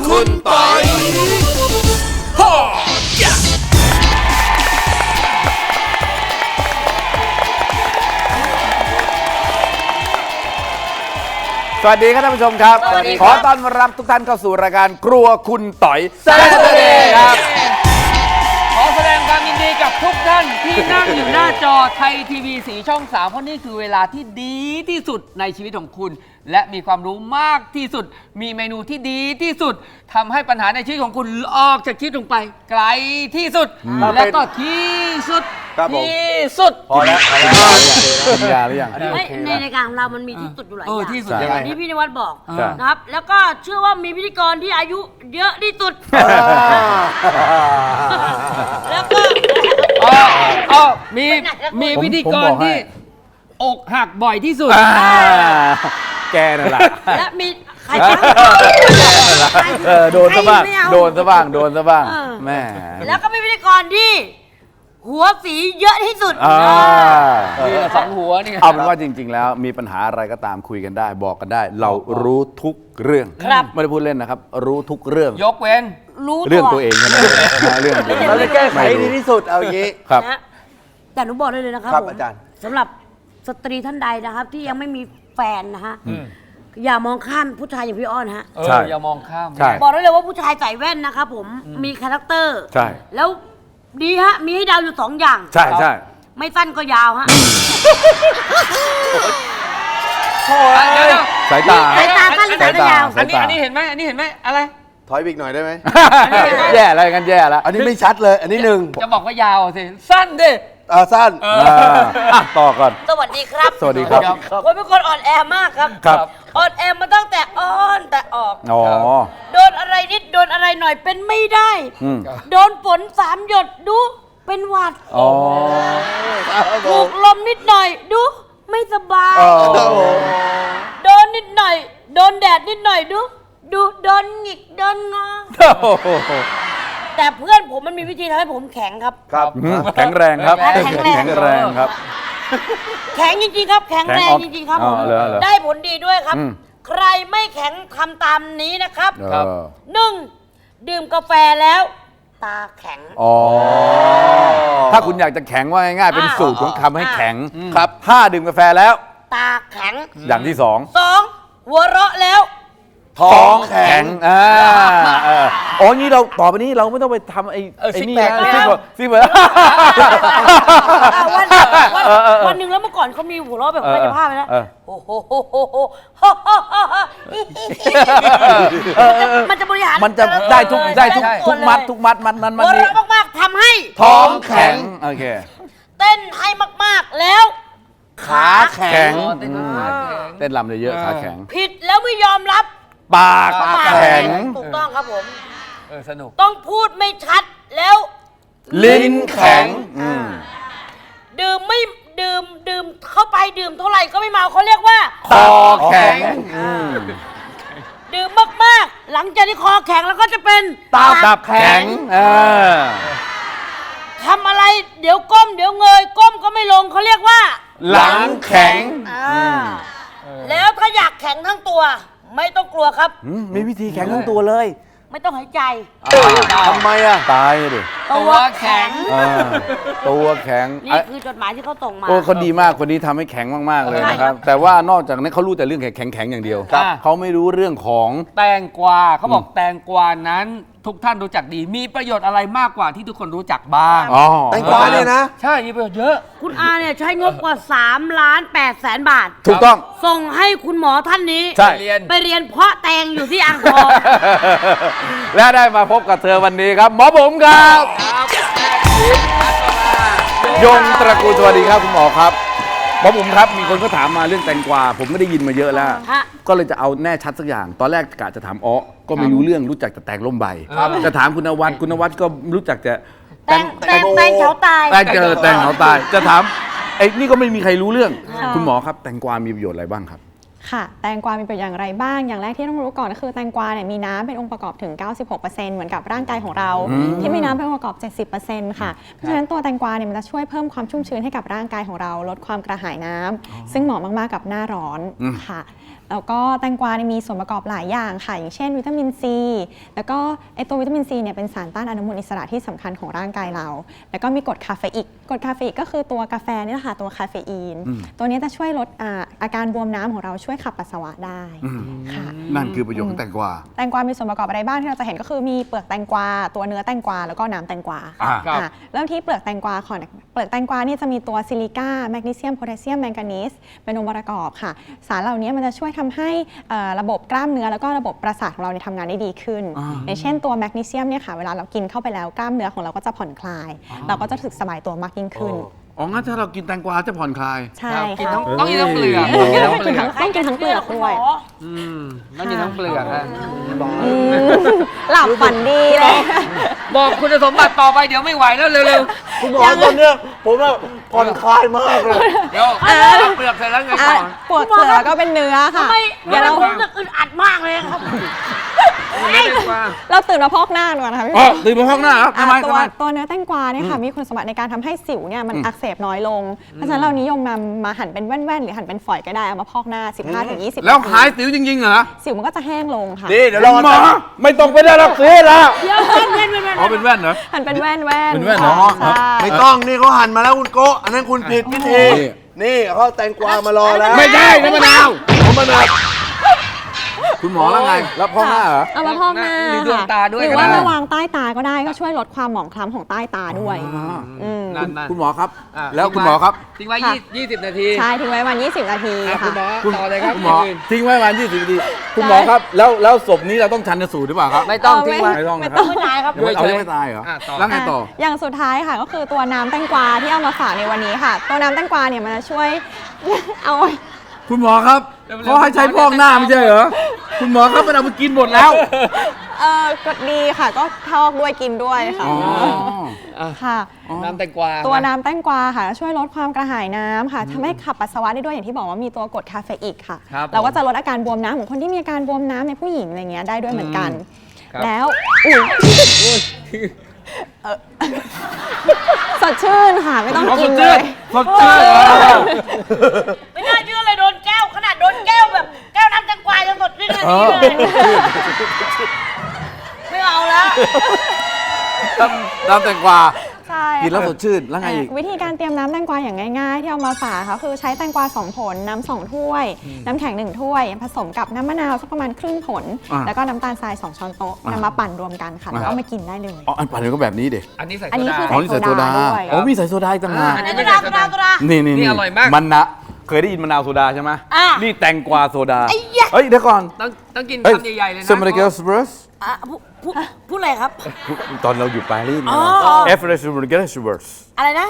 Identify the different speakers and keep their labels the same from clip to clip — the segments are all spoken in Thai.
Speaker 1: คุณปอย
Speaker 2: สวัสดีครับท่านผู้ชมครับขอต้อนรับทุกท่านเข้าสู่รายการครัวคุณต่อยแซ่บครับ
Speaker 3: ขอแสดงความยินดีกับทุกท่านที่นั่งอยู่หน้าจอไทยทีวีสีช่อง 3 เพราะนี่คือเวลาที่ดีที่สุดในชีวิตของคุณและมีความรู้มากที่สุดมีเมนูที่ดีที่สุดทำให้ปัญหาในชีวิตของคุณออกจากชีวิตลงไปไกลที่สุดและก็ที่สุดที่สุด
Speaker 2: พอแล้วกินยาหรือยัง
Speaker 4: ในรายการของเรามันมีที่สุดอยู่หลายอย่าง
Speaker 3: ที่สุด
Speaker 4: อย่างที่พี่นวัดบอกนะครับแล้วก็เชื่อว่ามีพิธีกรที่อายุเยอะที่สุดแล้วก็
Speaker 3: มีพิธีกรที่อกหักบ่อยที่สุด
Speaker 2: แกนั่นแหละ
Speaker 4: และมีใคร
Speaker 2: โดนซะบ้างโดนซะบ้างโดนซะบ้างแม่
Speaker 4: แล้วก็มีพิธีกรที่หัวสีเยอะที่สุด
Speaker 3: มีสองหัวนี่
Speaker 2: เอาเป็นว่าจริงๆแล้วมีปัญหาอะไรก็ตามคุยกันได้บอกกันได้เรารู้ทุกเรื่องไม่ได้พูดเล่นนะครับรู้ทุกเรื่อง
Speaker 3: ยกเว้น
Speaker 2: เรื่องตัวเองใช่ไหมเรื่อง
Speaker 1: เราจะแก้ไขดีที่สุดเอาอย่างนี้
Speaker 2: ครับ
Speaker 4: แต่หนูบอกได้เลยนะครับ
Speaker 1: อาจารย์
Speaker 4: สำหรับสตรีท่านใดนะครับที่ยังไม่มีแฟนนะฮะอย่ามองข้ามผู้ชายอย่างพี่อ้อนฮะ
Speaker 3: ใช่อย่ามองข้าม
Speaker 4: บอกได้เลยว่าผู้ชายใส่แว่นนะครับผมมีคาแรคเตอร์
Speaker 2: ใช่
Speaker 4: แล้วดีฮะมีให้เดาอยู่2อย่าง
Speaker 2: ใช่ใช่
Speaker 4: ไม่สั้นก็ยาวฮะ
Speaker 2: สายตา
Speaker 4: สั้นหรือสายตายาว
Speaker 3: อันนี้เห็นไหมอันนี้เห็นไหมอะไร
Speaker 1: ถอยอีกหน่อยได้ไหม
Speaker 2: แย่อะไรกันแย่แล้ว
Speaker 1: อันนี้ไม่ชัดเลยอันนี้1
Speaker 3: จะบอกว่ายาวสิสั้นดิ
Speaker 1: สั้น
Speaker 2: ต่อก่อน
Speaker 4: สวัสดีครับ
Speaker 2: สวัสดีครับ
Speaker 4: ผมเป็นคนอ่อนแอมากครับอ่อนแอมาตั้งแต่อ้อนแต่ออกโดนอะไรนิดโดนอะไรหน่อยเป็นไม่ได้โดนฝน3 หยดดูเป็นหวัดถูกลมนิดหน่อยดูไม่สบายโดนนิดหน่อยโดนแดดนิดหน่อยดูโดนหงิกโดนงอแต่เพื่อนผมมันมีวิธีทำให้ผมแข็งครับ
Speaker 2: แข็งแรงครับแข็งแรงครับ
Speaker 4: แข็งจริงๆครับแข็งแรงจริงๆครับผมได้ผลดีด้วยครับใครไม่แข็งทำตามนี้นะครับ1ดื่มกาแฟแล้วตาแข็ง
Speaker 2: ถ้าคุณอยากจะแข็งว่าง่ายๆเป็นสูตรของคำให้แข็งครับถ้าดื่มกาแฟแล้ว
Speaker 4: ตาแข็ง
Speaker 2: อย่างที่
Speaker 4: 2หัวเราะแล้ว
Speaker 2: ท้องแข็งนี่เราต่อไปนี้เราไม่ต้องไปทำไอ้นี่นะซิเหมือน
Speaker 4: วันหนึ่งแล้วเมื่อก่อนเขามีหัวเราะแบบกายภาพนะโอ้โหมันจะบริหาร
Speaker 2: มันจะได้ทุกมัดมัน
Speaker 4: หัวเราะมากๆทำให้
Speaker 2: ท้องแข็งโอเค
Speaker 4: เต้นให้มากๆแล้ว
Speaker 2: ขาแข็งเต้นรำเลยเยอะขาแข็ง
Speaker 4: ผิดแล้วไม่ยอมรับ
Speaker 2: ปากแข็ง
Speaker 4: ถูกต้องครับผม
Speaker 3: สนุก
Speaker 4: ต้องพูดไม่ชัดแล้ว
Speaker 2: ลิ้นแข็ง
Speaker 4: ดื่มเข้าไปดื่มเท่าไหร่ก็ไม่เมาเขาเรียกว่า
Speaker 2: คอแข็ง
Speaker 4: ดื่มมากๆหลังจากที่คอแข็งแล้วก็จะเป็น
Speaker 2: ตับแข็ง
Speaker 4: ทำอะไรเดี๋ยวก้มเดี๋ยวเงยก้มก็ไม่ลงเขาเรียกว่า
Speaker 2: หลังแข็ง
Speaker 4: แล้วถ้าอยากแข็งทั้งตัวไม่ต้องกลัวครับ
Speaker 2: มีวิธีแข็งทั้งตัวเลย
Speaker 4: ไม่ต้องหายใจ
Speaker 2: ทำไมตายดิ
Speaker 4: ตัวแข็ง
Speaker 2: ตัวแข็ง
Speaker 4: นี่คือจดหมายที่เขาส่งมา
Speaker 2: เขาดีมากคนนี้ทำให้แข็งมากๆเลยนะครับแต่ว่านอกจากนั้นเขารู้แต่เรื่องแข็งอย่างเดียวเขาไม่รู้เรื่องของ
Speaker 3: แตงกวาเขาบอกแตงกวานั้นทุกท่านรู้จักดีมีประโยชน์อะไรมากกว่าที่ทุกคนรู้จักบ้าง
Speaker 1: แตงกวาเนี่ยนะ
Speaker 3: ใช่มีประโยชน์เยอะ
Speaker 4: คุณอาเนี่ยใช้งบกว่า3,800,000 บาท
Speaker 2: ถูกต้อง
Speaker 4: ส่งให้คุณหมอท่านนี้ไปเรียนเพาะแตงอยู่ที่อ่างทอง
Speaker 2: และได้มาพบกับเธอวันนี้ครับหมอบุ๋มครับยงตระกูลสวัสดีครับคุณหมอครับหมอบุ๋มครับมีคนก็ถามมาเรื่องแตงกวาผมไม่ได้ยินมาเยอะแล้วก็เลยจะเอาแน่ชัดสักอย่างตอนแรกกะจะถามก็ไม่รู้เรื่องรู้จักแต่แตงล่มใบจะถามคุณนวัดก็รู้จักแต่
Speaker 4: แตงเขาตาย
Speaker 2: แตงเขาตายจะถามไอ้นี่ก็ไม่มีใครรู้เรื่องคุณหมอครับแตงกวามีประโยชน์อะไรบ้างครับ
Speaker 5: ค่ะแตงกวามีประโยชน์อย่างไรบ้างอย่างแรกที่ต้องรู้ก่อนก็คือแตงกวาเนี่ยมีน้ำเป็นองค์ประกอบถึง 96% เหมือนกับร่างกายของเราที่มีน้ำเป็นองค์ประกอบ 70% ค่ะเพราะฉะนั้นตัวแตงกวาเนี่ยมันจะช่วยเพิ่มความชุ่มชื้นให้กับร่างกายของเราลดความกระหายน้ำซึ่งเหมาะมากๆกับหน้าร้อนค่ะแล้วก็แตงกวาเนี่ยมีส่วนประกอบหลายอย่างค่ะอย่างเช่นวิตามินซีแล้วก็ไอตัววิตามินซีเนี่ยเป็นสารต้านอนุมูลอิสระที่สำคัญของร่างกายเราแล้วก็มีกรดคาเฟอีนกรดคาเฟอีนก็คือตัวกาแฟนี่แหละค่ะตัวคาเฟอีนตัวนี้จะช่วยลดอาการบวมน้ำของเราช่วยขับปัสสาวะได้ค่ะ
Speaker 2: นั่นคือประโยชน์ของแตงกวา
Speaker 5: แตงกวามีส่วนประกอบอะไรบ้างที่เราจะเห็นก็คือมีเปลือกแตงกวาตัวเนื้อแตงกวาแล้วก็น้ำแตงกวา
Speaker 3: ครับ
Speaker 5: เริ่มที่เปลือกแตงกวาก่อนเปลือกแตงกวานี่จะมีตัวซิลิก้าแมกนีเซียมโพแทสเซียมแมงกานีสเป็นองค์ประกอบค่ะสารเหล่านี้มันจะช่วยทำให้ระบบกล้ามเนื้อแล้วก็ระบบประสาทของเราเนี่ยทำงานได้ดีขึ้นอย่างเช่นตัวแมกนีเซียมเนี่ยค่ะเวลาเรากินเข้าไปแล้วกล้ามเนื้อของเราก็จะผ่อนคลาย เราก็จะรู้สึกสบายตัวมากยิ่งขึ้น
Speaker 2: อ๋องั้นถ้าเรากินแตงกวาจะผ่อนคลาย
Speaker 5: ใช่
Speaker 3: กิน
Speaker 5: ค่ะ
Speaker 3: ต้องกินทั้งเปลือกต้องกินทั้งเปลือก
Speaker 5: ต้องกินทั้งเปลือกด้วย
Speaker 3: ต้องกินทั้งเปลือกฮะ
Speaker 5: หลับฝันดีเลย
Speaker 3: บอกคุณสมบัติต่อไปเดี๋ยวไม่ไหวแล้วเร็ว
Speaker 1: คุณหมอตอนเนี้ยผมว่าผ่อนคลายมากเลย
Speaker 3: ๆเดี๋ยวเปลือกเสร็จแล้วไงต่อ
Speaker 5: ปวดเปลือกก็เป็นเนื้อค่ะ
Speaker 4: ทำไม
Speaker 5: เดี๋ยวเรา
Speaker 4: ผมรู้สึกอึดอัดมากเลยครับ
Speaker 3: ไม่ได้กว่า
Speaker 5: เราตื่นมาพอกหน้าก่อนนะคะพี่
Speaker 2: อ๋อตื่นมาห้องหน้าครับทำไม
Speaker 5: ตั
Speaker 2: ทำ
Speaker 5: ว
Speaker 2: ไม
Speaker 5: ตัวเนื้อแตงกวาเนี่ยค่ะมีคุณสมบัติในการทำให้สิวเนี่ยมันอักเสบน้อยลง เพราะฉะนั้นเรานิยมนำมาหั่นเป็นแว่นๆ หรือหั่นเป็นฝอยก็ได้เอามาพอกหน้า 15-20
Speaker 2: แล้วหายสิวจริงๆเหรอ
Speaker 5: สิวมันก็จะแห้งลงค่ะ
Speaker 1: นี่เดี๋ยว
Speaker 2: ห
Speaker 1: รอ
Speaker 2: มอไม่ต้องไปได้รับซื้อละ
Speaker 4: เดี๋ยวเว้น
Speaker 2: อ๋อเป็นแว่นเหรอ
Speaker 5: หั่นเป็นแว่นๆ
Speaker 2: เป็นแว่นเหรอ
Speaker 5: ใช่
Speaker 1: ไม่ต้องนี่เขาหั่นมาแล้วคุณโกะอันนั้นคุณผิดพิธี
Speaker 2: นี่
Speaker 1: นี่เขาแตงกวามารอแล้ว
Speaker 2: ไม่ใช่น้ำมะนาว
Speaker 1: ผมมะนาว
Speaker 2: คุณหมอแล้วไงรับห้องหน้าเหรอ
Speaker 5: เอามาพอกหน้า
Speaker 3: หรือดวงตาด้วย
Speaker 5: หรือ
Speaker 3: ก็
Speaker 5: ว่า
Speaker 3: ได้
Speaker 5: มาวางใต้ตาก็ได้ก็ช่วยลดความหมองคล้ำของใต้ตาด้วยม
Speaker 3: นั่น
Speaker 2: คุณหมอครับ
Speaker 3: อ่ะ
Speaker 2: แล้วคุณหมอครับ
Speaker 3: ทิ้งไว้
Speaker 5: ค่ะ
Speaker 3: 20 นาที
Speaker 5: ใช่ทิ้งไว้วัน 20 นาที
Speaker 3: อ่ะคุ
Speaker 5: ค่ะ
Speaker 3: ณหมอต่อเลยครับ
Speaker 2: คุณหมอ
Speaker 3: อื่น
Speaker 2: ทิ้งไว้ประมาณ20 นาทีคุณหมอครับแล้วศพนี้เราต้องชันสูตรหรือเปล่าครับ
Speaker 3: ไม่ต้องทิ้งไว้
Speaker 2: ไม่ต้องนะค
Speaker 4: ต้
Speaker 2: รั
Speaker 4: อบ งไม่ตายครับ
Speaker 2: ยังไม่เอายังไม่ตายเหรอ
Speaker 3: ต่อ
Speaker 2: แล้วไงต่อ
Speaker 5: อย่างสุดท้ายค่ะก็คือตัวน้ำแตงกวาที่เอามาฝากในวันนี้ค่ะ ตัวน้ำแตงกวาเนี่ยมันจะช่วย เอา
Speaker 2: คุณหมอครับเขาให้ใช้พอกหน้าไม่ใช่เหรอคุณหมอครับมันเอาไปกินหมดแล้ว
Speaker 5: กดดีค่ะก็ทอกด้วยกินด้วยค่ะ
Speaker 2: อ๋อ
Speaker 5: ค่ะ
Speaker 3: น้ำแตงกวา
Speaker 5: ตัวน้ำแตงกวาค่ะช่วยลดความกระหายน้ำค่ะทำให้ขับปัสสาวะได้ด้วยอย่างที่บอกว่ามีตัวกรดคาเฟอีนค่ะ
Speaker 3: ครับ
Speaker 5: เราก็จะลดอาการบวมน้ำของคนที่มีอาการบวมน้ำในผู้หญิงอะไรเงี้ยได้ด้วยเหมือนกัน
Speaker 3: ครับ
Speaker 5: แล้วสดชื่นค่ะไม่ต้อง
Speaker 2: เอา
Speaker 5: กิ
Speaker 2: ส
Speaker 5: น
Speaker 2: ด
Speaker 5: เล
Speaker 2: ชื่น
Speaker 5: ย
Speaker 2: สดชื่น
Speaker 4: ไม่น่าเชื่อเลยโดนแก้วขนาดโดนแก้วแบบแก้วน้ำแตงกวายังสดชื่นขนาดนี้เลยไม่เอาแล้ว
Speaker 2: น้ำแตงกวา
Speaker 5: ใช่
Speaker 2: กินแล้วสดชื่นแล้วไงอีก
Speaker 5: วิธีการเตรียมน้ำแตงกวาอย่างง่ายๆ ที่เอามาฝากค่ะคือใช้แตงกวา2 ผลน้ำ2 ถ้วย น้ำแข็ง1 ถ้วย ผสมกับน้ำมะนาวสักประมาณครึ่งผล แล้วก็น้ำตาลทราย2 ช้อนโต๊ะนำมาปั่นรวมกันค่ะแล้วก็มากินได้เลย
Speaker 2: อ๋ออันปั่นก็แบบนี้เด็
Speaker 3: อันนี้ใส่
Speaker 5: อัน
Speaker 3: โซ
Speaker 5: นี้
Speaker 3: ดา
Speaker 5: คือ
Speaker 2: อ๋อนี่ใส่โซดา
Speaker 5: ด้วย
Speaker 2: อ๋อมีใส่โซดาอีกต่างหาก
Speaker 3: อันนี้
Speaker 4: โซดาโซดาโซดา
Speaker 2: นี่
Speaker 3: นี่อร่อยมาก
Speaker 2: มันนะเคยได้ยินมะนาวโซดาใช่ไหม
Speaker 4: อ่ะ
Speaker 2: นี่แตงกวาโซดา
Speaker 4: ไอ้ยะ
Speaker 2: เฮ้ยเดี๋ยวก่อน
Speaker 3: ต้องกิน
Speaker 2: เฮ้ย
Speaker 3: คำใหญ่ๆเลยนะ
Speaker 2: เซมเบอร์เกลสเบรส
Speaker 4: อ่ะพูดอะไรครับ
Speaker 2: ตอนเราอยู่ปารีส
Speaker 4: อ๋
Speaker 2: เนี่ย
Speaker 4: อ
Speaker 2: เอฟเรสเบอร์เกลสเบรส
Speaker 4: อะไรนะ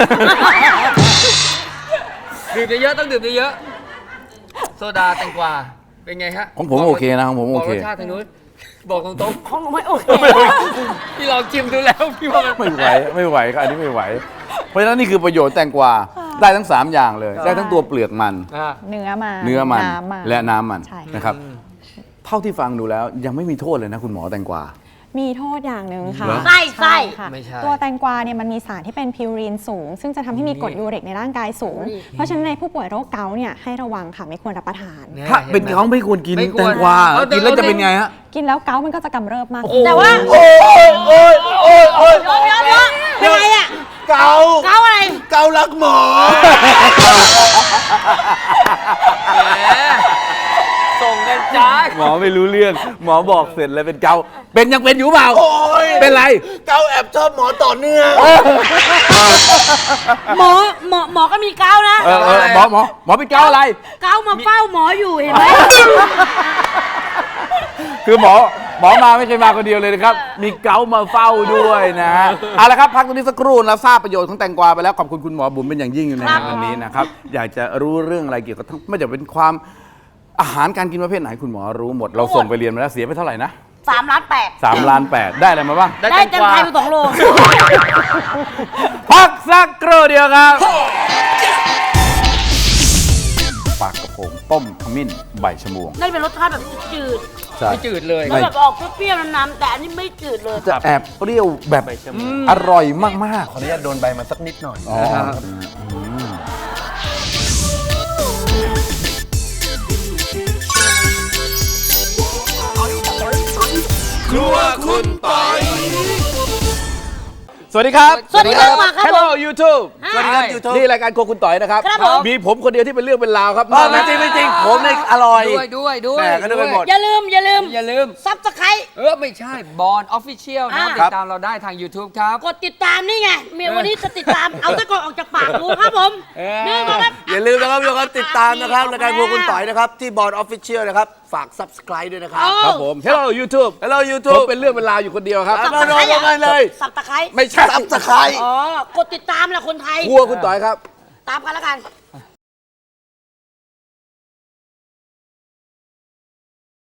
Speaker 3: ดื่มเยอะๆต้องดื่มเยอะๆโซดาแตงกวาเป็นไงฮะ
Speaker 2: ของผมโอเคนะของผมโอเค
Speaker 3: บอกรสชาติทางนู้นบอกตรง
Speaker 4: ของหนูไม่โอเค
Speaker 3: ๆพี่ลองชิมดูแล้วพี่ว่ามัน
Speaker 2: ไม่ไหวครับอันนี้ไม่ไหว เพราะฉะนั้นนี่คือประโยชน์แตงกวาได้ทั้ง 3 อย่างเลย ได้ทั้งตัวเปลือกมัน
Speaker 5: เนื้อมัน
Speaker 2: น้ำมันและน้ำมัน
Speaker 5: ใช่
Speaker 2: นะครับเท่าที่ฟังดูแล้วยังไม่มีโทษเลยนะคุณหมอแตงกวา
Speaker 5: มีโทษอย่างหนึ่งค่ะ
Speaker 2: เหรอ
Speaker 4: ไส้
Speaker 5: ค่ะ
Speaker 3: ไม่ใช่
Speaker 5: ตัวแตงกวาเนี่ยมันมีสารที่เป็นพิวรีนสูง ซึ่งจะทำให้มีกรดยูริกในร่างกายสูง เพราะฉะนั้นในผู้ป่วยโรคเกาต์เนี่ยให้ระวังค่ะไม่ควรรับประทาน
Speaker 2: ถ้าเป็นเขาไม่ควรกิน
Speaker 3: ไม่ควร
Speaker 2: แตงกวา
Speaker 3: เอา
Speaker 2: กินแล้วจะเป็นไงฮะ
Speaker 5: กินแล้วเกาต์มันก็จะกำเริบมาก
Speaker 4: แต่ว่า
Speaker 1: โอ้ย
Speaker 4: เดี๋ยวเป็นไงอ่ะ
Speaker 1: เกา
Speaker 4: เกาอะไร
Speaker 1: เกาลักหมอ
Speaker 3: แหมส่งกันจ้า
Speaker 2: หมอไม่รู้เรื่อง หมอบอกเสร็จแล้วเป็นเกาเป็นยังเป็นอยู่เปล่า
Speaker 1: โอ้ย
Speaker 2: เป็นไร
Speaker 1: เกาแอบชอบหมอต่อเนื่อง
Speaker 4: หมอก็มีเกานะ
Speaker 2: หมอเป็นเกาอะไร
Speaker 4: เกามาเฝ้าหมออยู่เห็นไหม
Speaker 2: คือหมอมาไม่เคยมาคนเดียวเลยนะครับ มีเกามาเฝ้าด้วยนะฮะเอาละครับพักตรงนี้สักครู่แล้วทราบประโยชน์ของแตงกวาไปแล้วขอบคุณคุณหมอบุ๋มเป็นอย่างยิ่งในวันนี้นะครับอยากจะรู้เรื่องอะไรเกี่ยวกับทั้งไม่ว่าจะเป็นความอาหารการกินประเภทไหนคุณหมอรู้หมด เราส่งไปเรียนมาแล้วเสียไปเท่าไหร่นะ
Speaker 4: 3 ล้าน 8
Speaker 2: 3 ล้าน 8ได้อะไรมาบ้าง
Speaker 4: ได้เต็มไทยไป2 โล
Speaker 2: พักสักครู่เดียวครับปลากระพงต้มขมิ้นใบชะมวง
Speaker 4: ได้เป็นรสชาติแบบจืด
Speaker 2: ใช่
Speaker 3: ไม่จืดเลย
Speaker 4: ๆแล้วแบบออกเปรี้ยวๆน้ำๆแต่อันนี้ไม่จืดเลย
Speaker 2: จะแอบเปรี้ยวแบบอร่อยมากๆ
Speaker 1: ขออนุญาตโดนใบมาสักนิดหน่อย
Speaker 2: อ๋อสวัสดีครับ
Speaker 4: สวัสดีครับมาครับผม
Speaker 2: Hello YouTube
Speaker 1: สวัสดีครับ YouTube
Speaker 2: นี่รายการโครัวคุณต่อยนะครับ
Speaker 4: ครับผม
Speaker 2: มีผมคนเดียวที่เป็นเรื่องเป็นราวครับ
Speaker 1: ไม่จริงไม่จริงผมเนี่ยอร่อย
Speaker 3: ด้วย
Speaker 1: แหม่ก็นึกไปหมด
Speaker 4: อย่าลืมซับสไครต์
Speaker 3: ไม่ใช่บอลออฟฟิเชียลนะ
Speaker 4: อ่า
Speaker 3: ติดตามเราได้ทาง YouTube ครับ
Speaker 4: กดติดตามนี่ไงเมียวันนี้จะติดตามเอาตะกอนออกจากปากดูครับผม นี่นะครับ
Speaker 1: อย่าลืมนะครับทุกคนติดตามนะครับรายการพวกคุณต่อยนะครับที่บอร์ดออฟฟิเชียลนะครับฝาก subscribe ด้วยนะครับ
Speaker 2: ครับผม Hello YouTube
Speaker 1: Hello
Speaker 2: ผม
Speaker 1: YouTube
Speaker 2: เป็นเรื่องเป็นราวอยู่คนเดียวครับ
Speaker 1: มาลงกันเลย
Speaker 4: สับตะไคร้
Speaker 2: ไม่ใช่
Speaker 1: subscribe
Speaker 4: อ๋อกดติดตามแหละคนไทย
Speaker 2: ครัวคุณต่อยครับ
Speaker 4: ตามกันแล้วกัน